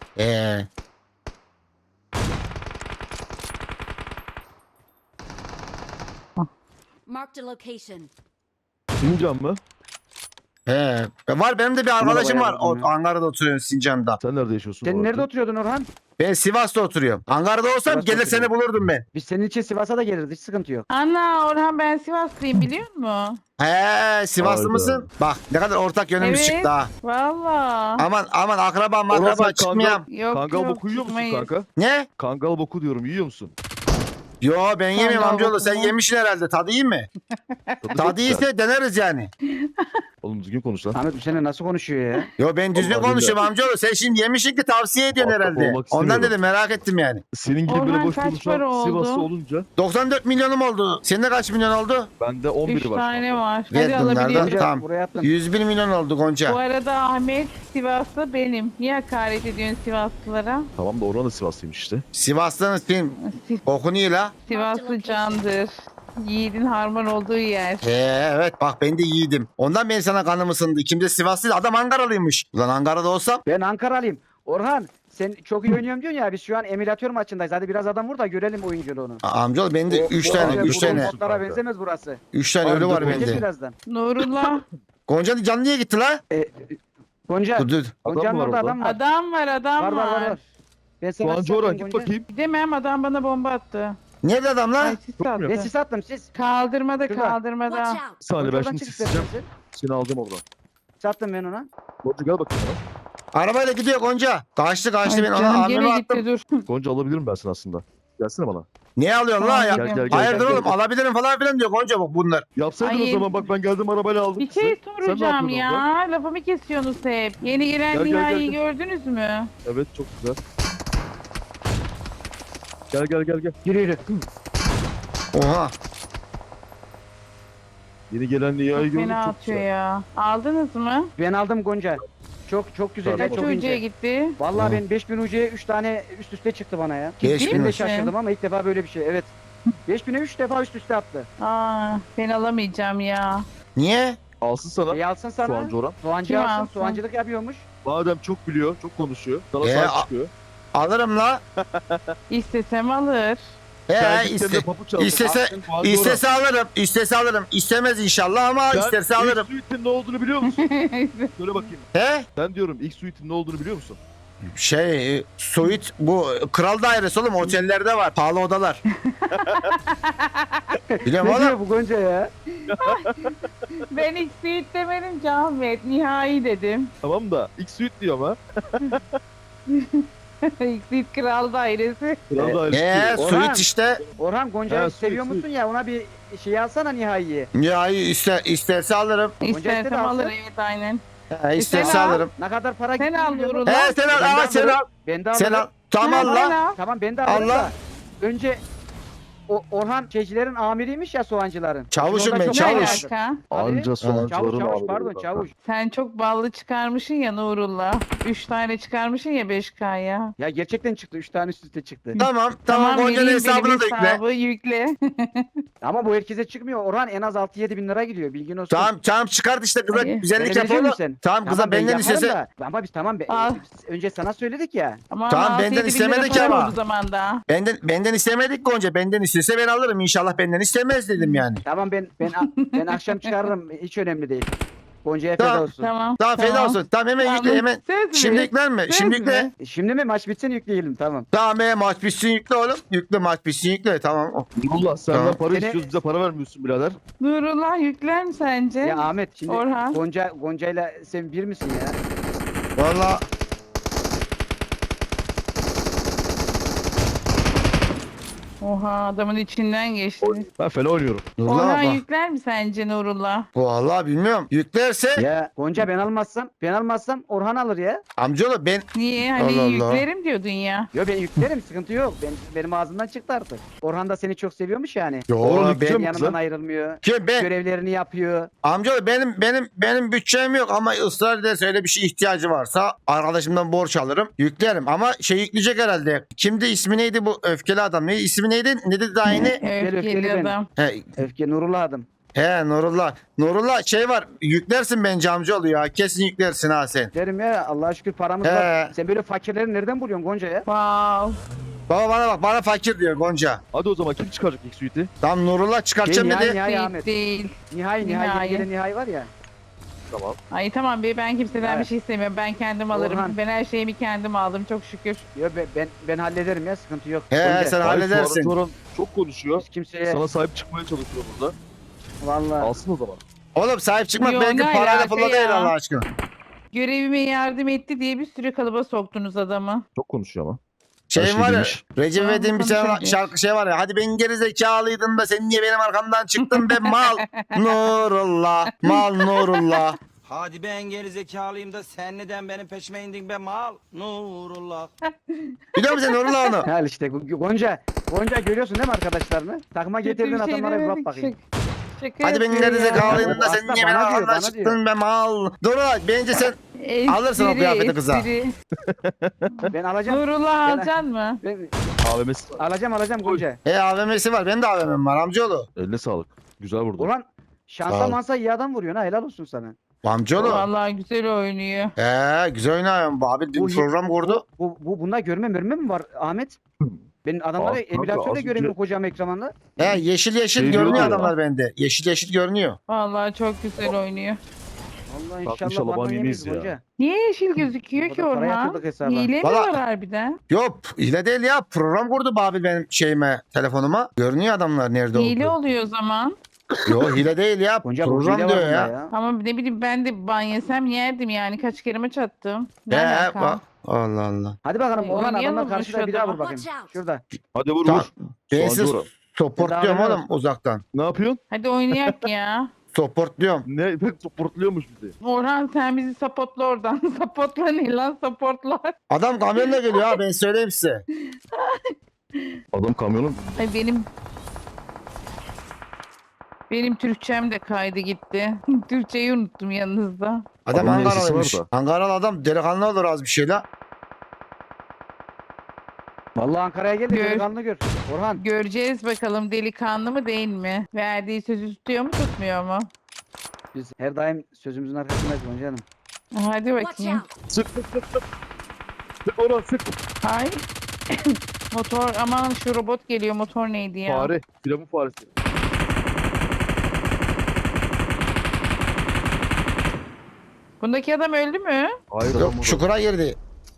F: Marked a location.
B: Sincan mı?
A: Var benim de bir arkadaşım var.
E: bayağı
A: O, Ankara'da oturuyor Sincan'da.
B: Sen nerede yaşıyorsun?
E: Sen
B: bu
E: nerede
B: arada?
E: oturuyordun Orhan?
A: Ben Sivas'ta oturuyorum. Ankara'da olsam
E: Sivas'ta
A: gelir seni
E: oturuyorum.
A: bulurdum ben.
E: Biz senin için Sivas'a da geliriz. Hiç sıkıntı yok.
D: Ana Orhan ben Sivaslıyım biliyor musun?
A: Sivaslı
B: Hayda.
A: mısın? Bak ne kadar ortak yönümüz
D: Evet.
A: çıktı ha.
D: Valla.
A: Aman akraba
B: Orhan
A: makraba
B: sen
A: çıkmayayım.
D: Yok
B: Kangal
D: yok
B: boku yiyor musun
D: çıkmayız.
B: kanka?
A: Ne?
B: Kangal boku diyorum, yiyor musun?
A: Yo ben yemiyorum
D: Kangal
A: amcaoğlu.
D: boku
A: Sen
D: mu?
A: yemişsin herhalde. Tadı iyi mi?
B: Tadı çok
A: Tadı
B: güzel.
A: iyiyse deneriz yani.
B: Oğlum düzgün konuş lan.
E: Ahmet bu sene nasıl konuşuyor ya?
A: Yo ben düzgün
B: Allah
A: konuşuyorum amcaoğlu. Sen şimdi yemişsin ki tavsiye ediyorsun
B: Muhatap
A: herhalde.
B: olmak
A: Ondan
B: istemiyorum.
A: dedim merak ettim yani.
B: Senin gibi böyle
D: Orhan
B: boş
D: kaç para
B: konuşan
D: oldu?
B: Sivaslı olunca
A: 94 milyonum oldu. Senin kaç milyon oldu?
B: bende
D: 3
B: 11'i var.
D: tane var.
A: Ver
D: Hadi
A: bunlardan.
D: alabiliyorum.
E: Gonca
A: Tamam.
E: buraya attım.
A: 101 milyon oldu Gonca.
D: Bu arada Ahmet Sivaslı benim. Niye hakaret ediyorsun Sivaslılara?
B: Tamam da Orhan da Sivaslıymış işte.
A: Sivas'tan film okunuyor la.
D: Sivaslı candır. Yiğidin harman olduğu yer.
A: Evet bak ben de yiğidim. Ondan ben sana kanım ısındı. Kimde Sivaslıydı? Adam Ankaralıymış. Ulan Ankara'da olsam
E: Ben Ankaralıyım. Orhan sen çok iyi oynuyorum diyorsun ya. Biz şu an emülatör maçındayız. Hadi biraz adam vur da görelim oyunculuğunu.
A: amcaoğlu bende 3 tane
B: abi,
A: 3
B: bu
A: tane.
B: olsun.
E: Botlara benzemez burası.
A: 3 tane ölü var
B: Abi,
E: Geç
A: bende.
E: birazdan.
D: Nurullah.
A: Gonca canlı niye gitti la?
E: Gonca.
A: Dur dur.
E: Gonca'nın
B: mı var
E: orada
B: orada?
E: adam var.
D: Adam var adam
E: Var var var. var. Ben sana
B: Soğancı
E: sis
B: Orhan
E: attım
B: git
E: Gonca.
B: bakayım.
D: Gidemem adam bana bomba attı.
A: Nerede adam la?
D: Ay sis attı.
E: Ben sis attım siz.
D: Kaldırmada
E: Şurada.
D: kaldırmada.
F: Watch out.
B: Bir saniye ben
E: Oradan
B: şimdi
E: çık
B: isteyeceğim.
E: istersen.
B: Seni aldım oradan.
E: Sis attım ben ona.
B: Gonca gel bakayım bana.
A: Arabayla gidiyor Gonca. Kaçtı
D: Ay
A: ben ona
D: canım
A: amime
D: gene
A: attım.
D: gitti dur.
B: Gonca alabilirim ben seni aslında. Gelsene bana.
A: Niye alıyorsun la ya?
B: Gel, gel, gel.
A: Hayırdır
B: gel,
A: oğlum
B: gel.
A: alabilirim falan filan diyor Gonca bak bunlar.
B: Yapsaydın
D: Ay,
B: o zaman bak ben geldim arabayla aldım.
D: Bir
B: sizi.
D: şey
B: Sen ne
D: soracağım
B: yapıyordun orada?
D: ya. Lafımı kesiyorsunuz hep. Yeni gelen
B: Gel, gel,
D: Nihai'yi
B: gel.
D: gördünüz mü?
B: Evet çok güzel. Gel gel gel gel.
E: Yürü yürü.
A: Oha.
B: Yeni gelen Nihay'ı
D: Çok
B: gördük
D: fena
B: çok
D: atıyor
B: güzel.
D: ya. Aldınız mı?
E: Ben aldım Gonca. Çok güzel.
B: Tamam.
E: ya,
D: Kaç
E: çok
D: ucuya
E: ince.
D: gitti?
E: Vallahi
A: Hı.
E: ben 5000 ucuya 3 tane üst üste çıktı bana ya.
A: 5000
E: Ben de
D: misin?
E: şaşırdım ama ilk defa böyle bir şey. Evet. 5000'e 3 defa üst üste attı.
D: Aa, ben alamayacağım ya.
A: Niye?
B: Alsın sana.
E: Alsın sana.
B: Soğancı Orhan.
E: Soğancı
D: Kim
E: alsın.
D: alsın?
E: Soğancılık yapıyormuş.
B: Madem çok biliyor, çok konuşuyor. Sana
A: Ee,
B: sahip çıkıyor.
A: Alırım la.
D: İstesem alır.
B: Kendi
A: iste,
B: kendine papuç aldı.
A: istese-
B: Alsın, Soğancı
A: istese alırım. İstese alırım. İstemez inşallah ama
B: Orhan.
A: isterse
B: Sen
A: alırım.
B: ilk suite'in ne olduğunu biliyor musun? Söyle bakayım.
A: He?
B: Ben diyorum ilk suite'in ne olduğunu biliyor musun?
A: Suite bu kral dairesi oğlum otellerde var. Pahalı odalar. Biliyorum
E: Ne
A: oğlum.
E: diyor bu Gonca ya?
D: Ben ilk suite demedim ki Ahmet. Nihai dedim.
B: Tamam da ilk suite diyor ama.
D: ilk suite kral dairesi.
B: Kral dairesi diyor.
E: Orhan.
A: Suite işte.
E: Orhan Gonca'yı
B: Ha,
E: seviyor
B: suit,
E: musun ya? Ona bir şey alsana Nihai'yi.
A: Ya isterse alırım.
E: istedi
D: İstersem
E: alsın.
D: alır evet aynen.
A: İsterse
D: Sen al.
A: alırım.
E: Ne kadar para
D: Sen
E: gitti
D: al
E: biliyor musun?
D: Nurullah.
A: He sen al.
E: Ben de
A: Aa, sen
E: alırım.
A: al.
E: Ben de
A: Sen
E: alırım.
A: al. Tamam
D: Ha,
A: lan.
D: al.
E: Tamam ben de alırım
A: Allah.
E: da. Önce Orhan şeycilerin amiriymiş ya soğancıların.
A: Çavuşum
E: Orada
A: ben,
E: çok
D: Ne
A: çavuş.
D: alaka?
B: Anca
E: Çavuş
B: soğancıların
E: çavuş
B: abi.
E: pardon çavuş.
D: Sen çok ballı çıkarmışsın ya Nurullah. 3 tane çıkarmışsın ya 5K'ya.
E: Ya gerçekten çıktı. 3 tane üst üste çıktı.
A: Tamam Gonca'nın
D: vereyim,
A: hesabına
D: benim
A: da yükle.
D: hesabı yükle.
E: Ama bu herkese çıkmıyor. Orhan en az 6-7 bin lira gidiyor. Bilgin olsun.
A: Tamam çıkart işte kıza
D: İyi.
A: güzellik
E: Verebilecek
A: yapalım.
E: misin?
A: Tamam kıza
E: ben
A: benden
E: yaparım
A: istese.
E: da. Ama biz tamam.
D: Al.
E: Önce sana söyledik ya.
D: Ama
A: Tamam,
D: 6-7
A: benden
D: bin
A: istemedik
D: lira para
A: ama.
D: oldu zamanda.
A: Benden istemedik Gonca. Benden istese ben alırım. İnşallah benden istemez dedim yani.
E: Tamam ben akşam çıkarırım. Hiç önemli değil. Gonca'ya feda
A: Tamam.
E: olsun.
A: Tamam feda olsun. Tamam hemen yükle hemen.
D: Söz mü?
A: Şimdi yükler mi?
D: Söz
A: Şimdi
D: mü?
A: yükle.
E: Şimdi mi maç bitsin yükleyelim tamam.
A: Tamam maç bitsin yükle oğlum. Yükle maç bitsin yükle tamam.
B: Nurullah senden
A: Tamam.
B: para
E: Seni-
B: istiyoruz bize para vermiyorsun birader.
D: Nurullah yükler mi sence?
E: Ya Ahmet şimdi
D: Orhan.
E: Gonca'yla sen bir misin ya?
A: Valla
D: Oha adamın içinden geçti.
B: Ben fena oynuyorum.
A: Nurullah
D: Orhan
A: bak.
D: yükler mi sence Nurullah?
A: Valla bilmiyorum. Yüklerse
E: Ya Gonca ben almazsam Orhan alır ya.
A: amcaoğlu ben
D: Niye? Hani
A: Allah Allah.
D: yüklerim diyordun ya.
E: Yo ben yüklerim sıkıntı yok. Benim ağzımdan çıktı artık. Orhan da seni çok seviyormuş yani.
A: Yo,
B: Oğlum,
A: ben
B: yükleyeceğim
E: Yanından
B: kıza.
E: ayrılmıyor.
A: kim ben
E: Görevlerini yapıyor.
A: amcaoğlu benim bütçem yok ama ısrar ederse öyle bir şey ihtiyacı varsa arkadaşımdan borç alırım yüklerim ama şey yükleyecek herhalde. Kimdi ismi neydi bu öfkeli adam? İsmi neydi? Ne dedi daha yeni?
E: öfkeli
D: Öfkeli
E: benim.
D: adam.
E: Öfke Nurullah adım.
A: He Nurullah. Nurullah şey var yüklersin bence amcaoğlu ya kesin yüklersin ha sen.
E: Derim ya Allah'a şükür paramız
A: He.
E: var. Sen böyle fakirleri nereden buluyorsun Gonca ya?
D: Wow.
A: Baba bana bak bana fakir diyor Gonca.
B: Hadi o zaman kim çıkaracak ilk suite'i?
A: Tam Nurullah çıkartacağım
E: Nihai,
A: dedi.
E: Nihai
D: Değil,
E: Ahmet.
D: değil.
E: Nihai
D: Nihai.
E: yeni gelen Nihai var ya.
B: Tamam.
D: Ay tamam be ben kimseden
E: Evet.
D: bir şey istemiyorum. Ben kendim alırım.
E: Orhan.
D: Ben her şeyimi kendim aldım çok şükür.
E: Yo ben hallederim ya sıkıntı yok.
A: He
E: Gonca,
A: sen
B: Hayır,
A: halledersin.
B: Soran çok konuşuyor.
E: Hiç kimseye
B: Sana sahip çıkmaya çalışıyor burada.
E: vallahi.
B: Alsın o zaman.
A: Oğlum sahip çıkmak
D: Yo,
A: belki
D: ne
A: parayla
D: alaka
A: pulla değil
D: ya?
A: Allah aşkına.
D: Görevime yardım etti diye bir sürü kalıba soktunuz adamı.
B: Çok konuşuyor ama.
A: Şeyin
B: şey
A: var ya
B: demiş.
A: Recep
D: Tamam,
A: İvedik'in bir tane
D: konuşabilir.
A: şarkı şey var ya hadi ben geri zekalıydın da sen niye benim arkamdan çıktın be mal Nurullah mal Nurullah.
G: Hadi ben geri zekalıyım da sen neden benim peşime indin be mal? Nurullah.
A: Biliyor musun Nurullah onu?
E: Hal işte Gonca görüyorsun değil mi arkadaşlarını? Takıma
D: Kötü
E: getirdiğin
D: bir şey
E: adamlara bir bak
D: demedik,
E: bakayım.
D: Şaka
A: Hadi ben
D: yapıyor
A: geri
D: ya.
A: zekalıydın da sen
E: Aslında
A: niye benim
E: bana diyor,
A: arkamdan
E: bana
A: çıktın be mal. Nurullah bence sen
D: Espri,
A: alırsın o kıyafeti kıza.
D: espri.
E: Ben alacağım.
D: Nurullah
E: Ben-
D: alacaksın mı?
E: Ben
B: AVM'si var.
E: alacağım Gonca.
A: AVM'si var benim de AVM'm var amcaoğlu.
B: Eline sağlık. Güzel vurdu.
E: Ulan
A: Sağ
E: şansa
A: ol.
E: mansa iyi adam vuruyorsun ha helal olsun sana.
A: Amcaoğlu.
D: Vallahi güzel oynuyor.
A: Güzel oynuyorum bu abi
E: Bu-
A: bir program kurdu.
E: Bunda görme mi var Ahmet? Ben adamları
B: Kanka,
E: emülatörle
B: az
E: göremiyorum
B: önce-
E: kocam ekranda.
A: Yeşil
B: Şey
A: görünüyor
B: diyorlar ya.
A: adamlar bende. Yeşil görünüyor.
D: Vallahi çok güzel oynuyor.
E: Allah
B: Bak,
E: inşallah
B: inşallah
E: bana
B: ban
E: yemeyiz
B: yemeyiz ya.
E: Gonca.
D: Niye yeşil gözüküyor ki
E: Orada para
D: Orhan?
E: yatırdık hesaba.
D: Hile mi
A: Valla-
D: var harbiden?
A: Yok hile değil ya program kurdu Babil benim şeyime telefonuma. Görünüyor adamlar nerede
D: Hile
A: olduğu.
D: oluyor o zaman.
A: Yok hile değil ya
E: Gonca bu hile
A: program
E: var
A: diyor
E: bunda
A: ya.
E: ya.
D: Ama ne bileyim ben de ban yesem yerdim yani. Kaç kere maç attım. Ne alaka?
A: Bak. Allah Allah.
E: Hadi bakalım Orhan
D: Oynayalım
E: adamlar
D: mı
E: karşıda
D: şu
E: bir daha vur
D: adamı?
E: bakayım.
F: Watch out.
E: Şurada.
B: Hadi vur
A: Tamam.
B: vur.
A: Ben
B: Soğancı
A: size
B: Orhan.
A: supportluyorum
E: Bedava
A: oğlum uzaktan.
B: Ne yapıyorsun?
D: Hadi oynayak ya.
A: Supportluyorum.
B: Ne? Pek supportluyormuş bizi.
D: Orhan sen bizi sapotla oradan. Sapotla ne lan sapotla.
A: Adam kamyonla geliyor ha ben söyleyeyim size.
B: Adam kamyonun.
D: Ay benim Türkçem de kaydı gitti. Türkçeyi unuttum yanınızda.
A: Adam
B: Adamın
A: Ankaralıymış.
B: sesi var
A: Ankaralı adam delikanlı olur az bir şey la.
E: Vallahi Ankara'ya gel de
D: Gör.
E: delikanlı gör. Orhan
D: Göreceğiz bakalım delikanlı mı değil mi? Verdiği sözü tutuyor mu tutmuyor mu?
E: biz her daim sözümüzün arkasındayız Gonca Hanım.
D: Hadi
F: Watch
D: bakayım.
F: out.
B: Sık sık sık sık. Sık Orhan sık.
D: Hay. Motor aman şu robot geliyor motor neydi ya?
B: Fare. Firavun faresi.
D: Bundaki adam öldü mü?
B: Hayır adam
A: Yok
B: burada.
A: çukura girdi.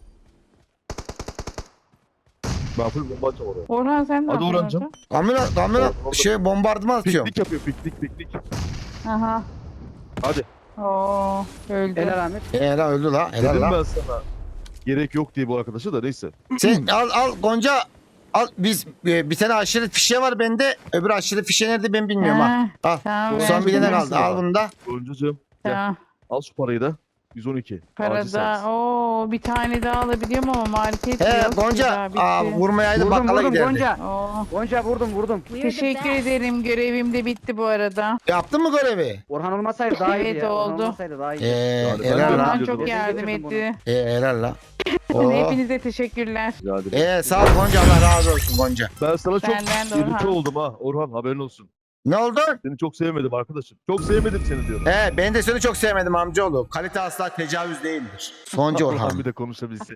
B: Ben full bomba atacağım oraya.
D: Orhan sen ne
B: Hadi
D: yapıyorsun
B: Orhancığım.
A: Kamera
B: Orada-
A: şey bombardıman atıyorum.
B: Piknik yapıyor piknik.
D: orada? Aha.
B: Hadi.
D: Oo öldü.
E: Helal Ahmet.
A: Helal öldü la. Helal
B: Dedim
A: la.
B: ben sana. Gerek yok diye bu arkadaşa da neyse.
A: Sen al Gonca al biz bir tane aşiret fişe var bende. Öbür aşiret fişe nerede ben bilmiyorum ha.
D: Ha,
A: Al.
D: tamam,
B: Son
A: Son bir tane
B: ver.
A: kaldı. Al bunu da.
B: Öncücüğüm
D: Tamam.
B: al şu parayı da. 112. Acil
D: Parada
B: servis.
D: bir tane daha alabiliyorum ama market
A: He
D: yok.
A: Gonca.
D: Güzel, bitti.
A: Vurmayaydı
E: Vurdum
A: bakkala
E: vurdum
A: giderdi.
E: Gonca.
D: Oo,
E: Gonca vurdum.
F: We're the
D: teşekkür
F: best.
D: ederim. Görevim de bitti bu arada.
A: Yaptın mı görevi?
E: Orhan olmasaydı daha iyiydi
D: Evet,
E: ya. Orhan
D: oldu.
E: olmasaydı daha iyiydi.
B: Yani ben
A: Helal
B: de-
A: la.
D: Orhan çok
E: Neden
D: yardım
E: getirdim bunu?
D: etti.
A: Helal la. Oo.
D: Hepinize teşekkürler.
B: Rica ederim.
A: Sağ ol Gonca, Allah razı olsun Gonca.
B: Ben sana çok
D: Senden de
B: irite
D: Orhan.
B: oldum ha Orhan, haberin olsun.
A: Ne oldu?
B: Seni çok sevmedim arkadaşım. Çok sevmedim seni diyorum.
A: Ben de seni çok sevmedim amcaoğlu. Kalite asla tecavüz değildir. Gonca Orhan.
B: Bir de konuşabilse.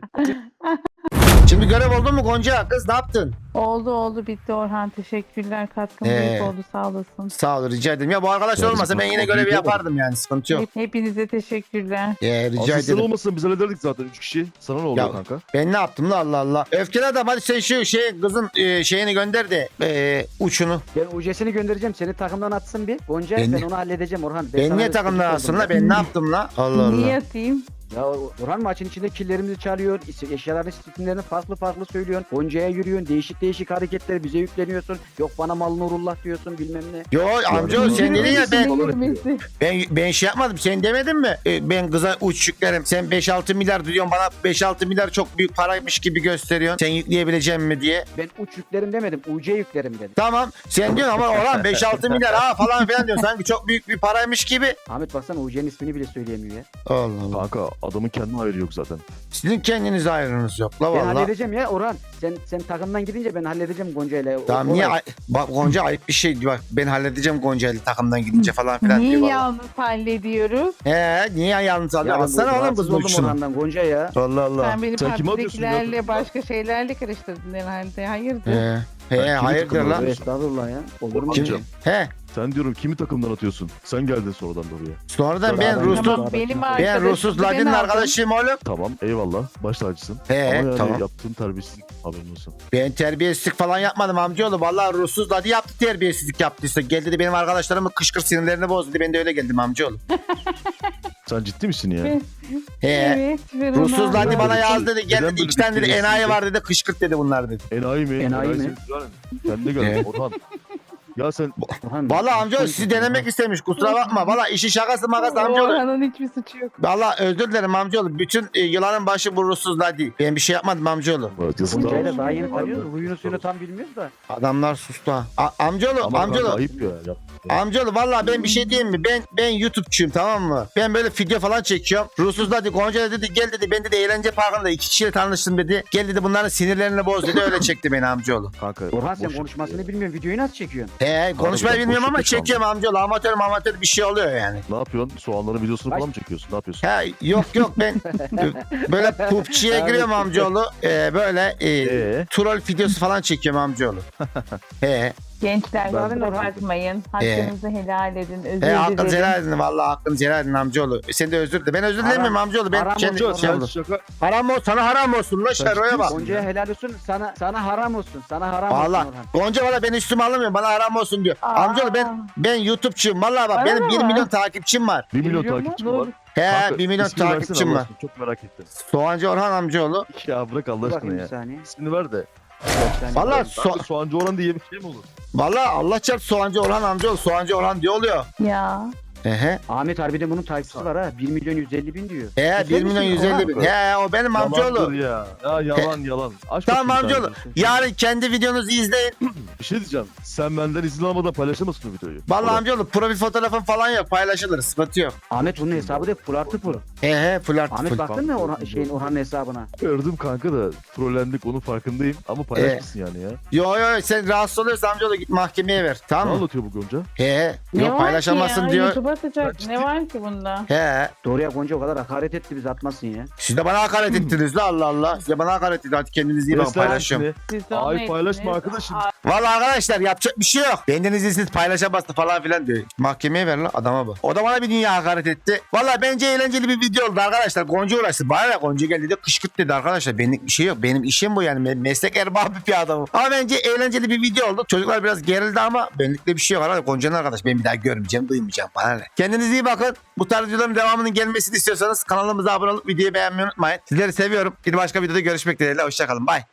A: Şimdi görev oldu mu Gonca? Kız ne yaptın?
D: Oldu bitti Orhan. Teşekkürler. Katkın büyük oldu. Sağ olasın.
A: Sağ ol, rica ederim. Ya bu arkadaşlar
B: Ya,
A: olmasa ben yine görevi yapardım yani, sıkıntı yok.
D: Hepinize teşekkürler.
A: Rica
B: Aslında sen
A: ederim.
B: olmasan biz hallederdik zaten 3 kişi. Sana ne oluyor
A: Ya,
B: kanka?
A: Ben ne yaptım la, Allah Allah. Öfkeli adam, hadi sen şu kızın şeyini gönder de uçunu.
E: Ben UC'sini göndereceğim. Seni takımdan atsın bir. Gonca
A: Ben-
E: ben onu halledeceğim Orhan.
A: Ben
E: sana
A: niye
E: destek
A: takımdan
E: oldum
A: alsın
E: ya.
A: la? Ben ne yaptım la? Allah
D: Niye
A: Allah.
D: atayım?
E: Ya Orhan maçın içinde killerimizi çalıyor. Eşyaların isimlerini farklı söylüyorsun. Gonca'ya yürüyorsun. Değişik hareketler bize yükleniyorsun. Yok bana mal nurullah diyorsun bilmem ne.
A: Yo amcaoğlu sen dedin ya,
D: Yürümesi.
A: ben şey yapmadım. Sen demedin mi? Ben kıza uç yüklerim. Sen 5-6 milyar diyorsun bana, 5-6 milyar çok büyük paraymış gibi gösteriyorsun. Sen yükleyebilecek mi diye.
E: Ben uç yüklerim demedim. UC yüklerim dedim.
A: Tamam. Sen diyorsun ama Orhan 5-6 milyar falan filan diyorsun. Sanki çok büyük bir paraymış gibi.
E: Ahmet baksana UC'nin ismini bile söyleyemiyor ya.
A: Allah Allah.
B: Kanka adamın kendine hayrı yok zaten.
A: Sizin kendinize ayrınız yok la
E: Ben
A: valla.
E: halledeceğim ya Orhan. Sen takımdan gidince ben halledeceğim Gonca ile.
A: Tamam niye bak Gonca ayıp bir şey diyor. Bak ben halledeceğim Gonca'yı takımdan gidince falan filan
D: Niye
A: diyor valla.
D: yalnız hallediyoruz?
A: Niye yalnız alıyor? Alsana oğlum kız
E: oldum
A: uçsunu.
E: Orhan'dan Gonca ya.
A: Allah Allah.
D: Sen beni
B: Sen kime atıyorsun ya?
D: partidekilerle başka şeylerle karıştırdın herhalde. Hayırdır?
A: Hayırdır
B: takımdan
A: lan.
B: alıyorsun?
E: Estağfurullah ya. Olur mu?
B: Kim?
E: Kim?
B: Sen diyorum kimi takımdan atıyorsun? Sen geldin sonradan da oraya.
A: Sonradan ben
E: Tamam,
A: Rus'ta
E: tamam.
D: Benim
A: ben
D: arkadaşım.
A: Rusuz
D: ben
A: Ladin'in
D: aldım.
A: arkadaşıyım oğlum.
B: Tamam eyvallah. Baş tacısın. Ama yani
A: Tamam.
B: yaptığın terbiyesizlik haberin olsun.
A: Ben terbiyesizlik falan yapmadım amcaoğlu. Vallahi Rusuz Ladi yaptı, terbiyesizlik yaptıysa. Geldi de benim arkadaşlarımın kışkır sinirlerini bozdu. Ben de öyle geldim amcaoğlu.
B: Sen ciddi misin ya?
D: Evet.
A: He.
D: ve
A: Rusuz
D: Ronaldo.
A: Ladi bana yazdı dedi. Gel
B: Neden
A: dedi,
B: böyle
A: 2 tane dedi
B: bir
A: enayi
B: terbiyesizlik?
A: var dedi. Kışkırt dedi bunlar dedi.
B: Enayi mi?
E: Enayi mi?
B: senin güzel. Kendine gel
A: Evet.
B: Orhan. Ya sen
E: Orhan,
A: Vallahi amcaoğlu sizi denemek istemiş. Kusura bakma. Vallahi işi şakası makası amcaoğlu.
D: Orhan'ın hiçbir suçu yok.
A: Vallahi özür dilerim amcaoğlu. Bütün yılanın başı bu Rusuz Ladi. Ben bir şey yapmadım amcaoğlu.
E: Gonca'yla daha yeni tanıyoruz. Huyunu suyunu tam bilmiyoruz da.
A: Adamlar sustu ha. Amcaoğlu,
B: Ama
A: amcaoğlu.
B: kanka ayıp ya.
A: Amcaoğlu vallahi ben bir şey diyeyim mi? Ben YouTube'çuyum, tamam mı? Ben böyle video falan çekiyorum. Rusuz dedi, Gonca dedi, gel dedi, ben dedi eğlence parkında 2 kişiyle tanıştım dedi. Gel dedi, bunların sinirlerini boz dedi, öyle çekti beni amcaoğlu.
B: Kanka.
E: Orhan sen
B: boş-
E: konuşmasını bilmiyorsun. Videoyu nasıl çekiyorsun?
A: Konuşmayı
B: Harbiden
A: bilmiyorum ama
B: boşlukta
A: çekiyorum amcaoğlu. Amatör bir şey oluyor yani.
B: Ne yapıyorsun? Soğanların videosunu falan mı çekiyorsun? Ne yapıyorsun?
A: Yok ben böyle PUBG'ye giriyorum amcaoğlu. Böyle troll videosu falan çekiyorum amcaoğlu.
D: Gençler
E: Zaten
D: kusura
E: Orhan-
D: Bakmayın. Hakkınızı helal edin. Özür
A: Hakkınızı
D: dilerim.
A: helal edin, vallahi hakkınızı helal edin amcaoğlu. Sen de özür dile. Ben özür dilemiyorum amcaoğlu. Ben
E: haram
A: kendi
E: olsun,
A: şey
B: Sen
A: yaptım.
B: şaka.
A: Haram olsun, sana haram olsun la şeroya bak.
E: Gonca'ya helal olsun. Sana haram olsun. Sana haram olsun
A: Valla
E: Orhan.
A: Gonca valla ben üstüme alamıyorum, bana haram olsun diyor.
D: Aa.
A: Amcaoğlu ben YouTube'çuyum valla bak, benim
D: Bana
A: 1
D: mı?
A: milyon takipçim var.
B: 1 milyon
E: Biliyor
B: takipçim
D: musun?
B: var.
A: He
B: Kanka,
A: 1 milyon
B: ismini versene
A: takipçim
B: Allah
A: var.
B: aşkına, çok merak ettim.
A: Soğancı Orhan amcaoğlu.
B: Ya bırak Allah
E: Dur
B: aşkına
E: bakayım bir
B: ya.
E: saniye.
B: İsmini ver de.
A: Valla
B: Kanka, Soğancı Orhan diye bir şey mi olur?
A: valla Allah çarpsın Soğancı Orhan amcaoğlu. Soğancı Orhan diye oluyor.
D: Ya.
E: Ahmet harbiden bunun takipçisi var ha. 1 milyon 150 bin diyor.
A: He 1 milyon 150 bin. He o benim amcaoğlu.
B: Yalandır ya. Ya yalan. Aç
A: Tamam
B: bakayım
A: amcaoğlu.
B: sen.
A: Yarın kendi videonuzu izleyin.
B: Bir şey diyeceğim. Sen benden izin almadan paylaşamazsın o videoyu.
A: Valla
B: Orhan.
A: amcaoğlu profil fotoğrafın falan yok, paylaşılır, sıkıntı yok.
E: Ahmet bunun hesabı da full artı full.
A: He full artı
E: Ahmet
A: full.
E: baktın mı Orhan'ın hesabına?
B: Gördüm kanka da trollendik, onun farkındayım. Ama paylaşmışsın yani ya.
A: Yo sen rahatsız oluyorsan amcaoğlu git mahkemeye ver,
B: Ne
A: tamam mı?
B: anlatıyor bu Gonca?
A: He
D: Ne
A: yok
D: var
A: paylaşamazsın
D: ki ya?
A: diyor.
D: YouTube'a atacak.
B: Ben
D: Ne var ki bunda?
A: He
E: Doğru ya Gonca o kadar hakaret etti bizi atmasın ya.
A: siz de bana hakaret ettiniz la, Allah Allah. Siz de bana hakaret ettiniz, hadi kendinize iyi bakın,
B: Resmen
A: paylaşıyorum.
B: hepsini-
D: Siz de onu
B: Ay paylaşma
D: ettiniz.
B: arkadaşım.
A: Valla arkadaşlar yapacak bir şey yok. Benden izinsiz paylaşamazsın falan filan diyor. Mahkemeye ver la adama bak. O da bana bir dünya hakaret etti. Valla bence eğlenceli bir video oldu arkadaşlar. Gonca uğraştı. Bana ne, Gonca geldi de kışkırt dedi arkadaşlar. Benlik bir şey yok. Benim işim bu yani. Meslek erbabı bir adamım. Ama bence eğlenceli bir video oldu. Çocuklar biraz gerildi ama benlik de bir şey yok. Arkadaşlar Gonca'nın arkadaş. Ben bir daha görmeyeceğim, duymayacağım. Bana ne. Kendinize iyi bakın. Bu tarz videoların devamının gelmesini istiyorsanız kanalımıza abone olup videoyu beğenmeyi unutmayın. Sizleri seviyorum. Bir başka videoda görüşmek dileğiyle. Hoşçakalın. Bye.